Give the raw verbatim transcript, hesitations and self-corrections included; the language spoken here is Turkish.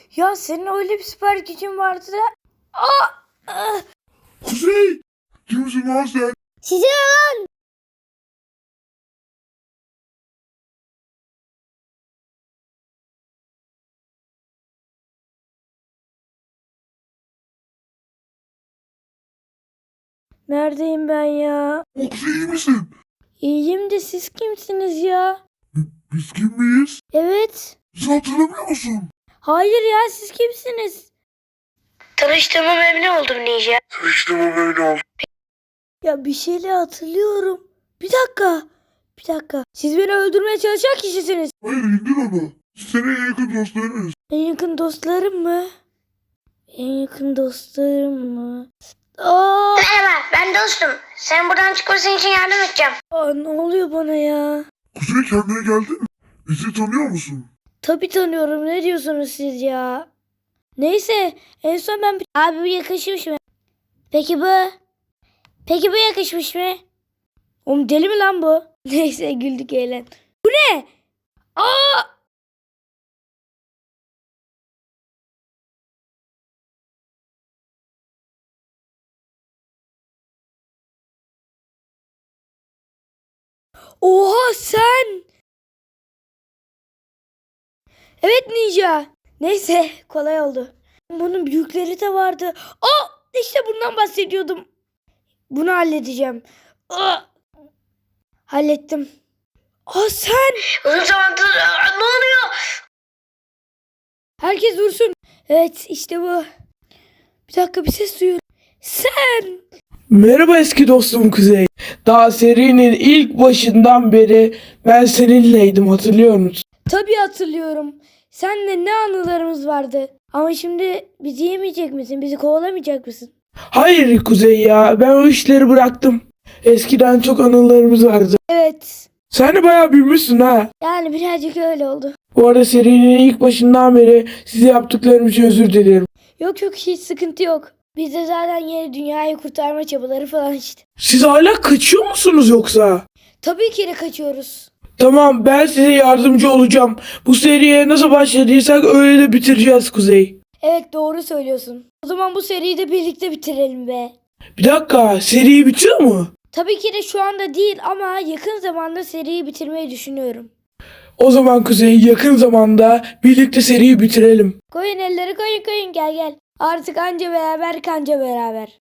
Ya senin öyle bir süper gücün vardı da. Aa! Ah! Kuzey! Kimsin lan sen? Size ne lan? Neredeyim ben ya? O Kuzey iyi misin? İyiyim de siz kimsiniz ya? Biz kim miyiz? Evet. Bizi hatırlamıyor musun? Hayır ya, siz kimsiniz? Tanıştığıma memnun oldum Ninja. Tanıştığıma böyle oldu. Ya bir şeyle hatırlıyorum. Bir dakika. Bir dakika. Siz beni öldürmeye çalışan kişisiniz. Hayır indir onu. Biz senin en yakın dostlarınız. En yakın dostlarım mı? En yakın dostlarım mı? Aa! Merhaba, ben dostum. Sen buradan çıkmasın için yardım edeceğim. Aa, ne oluyor bana ya? Kuzey kendine geldin mi? Bizi tanıyor musun? Tabii tanıyorum. Ne diyorsunuz siz ya? Neyse. En son ben... Abi bu yakışmış mı? Peki bu? Peki bu yakışmış mı? Oğlum deli mi lan bu? Neyse, güldük eğlen. Bu ne? Aa! Oha sen! Evet Ninja. Neyse, kolay oldu. Bunun büyükleri de vardı. Aa! İşte bundan bahsediyordum. Bunu halledeceğim. Aa! Hallettim. Aa sen! Uzun zamandır ne oluyor? Herkes dursun. Evet, işte bu. Bir dakika, bir ses duyuyorum. Sen! Merhaba eski dostum Kuzey. Daha serinin ilk başından beri ben seninleydim, hatırlıyor musun? Tabii hatırlıyorum. Seninle ne anılarımız vardı. Ama şimdi bizi yemeyecek misin? Bizi kovalamayacak mısın? Hayır Kuzey ya, ben o işleri bıraktım. Eskiden çok anılarımız vardı. Evet. Sen de bayağı büyümüşsün ha. Yani birazcık öyle oldu. Bu arada serinin ilk başından beri size yaptıklarım için özür dilerim. Yok yok, hiç sıkıntı yok. Biz de zaten yeni dünyayı kurtarma çabaları falan işte. Siz hala kaçıyor musunuz yoksa? Tabii ki de kaçıyoruz. Tamam, ben size yardımcı olacağım. Bu seriye nasıl başladıysak öyle de bitireceğiz Kuzey. Evet, doğru söylüyorsun. O zaman bu seriyi de birlikte bitirelim be. Bir dakika, seri bitiyor mu? Tabii ki de şu anda değil ama yakın zamanda seriyi bitirmeyi düşünüyorum. O zaman Kuzey, yakın zamanda birlikte seriyi bitirelim. Koyun elleri, koyun koyun, gel gel. Artık anca beraber kanca beraber.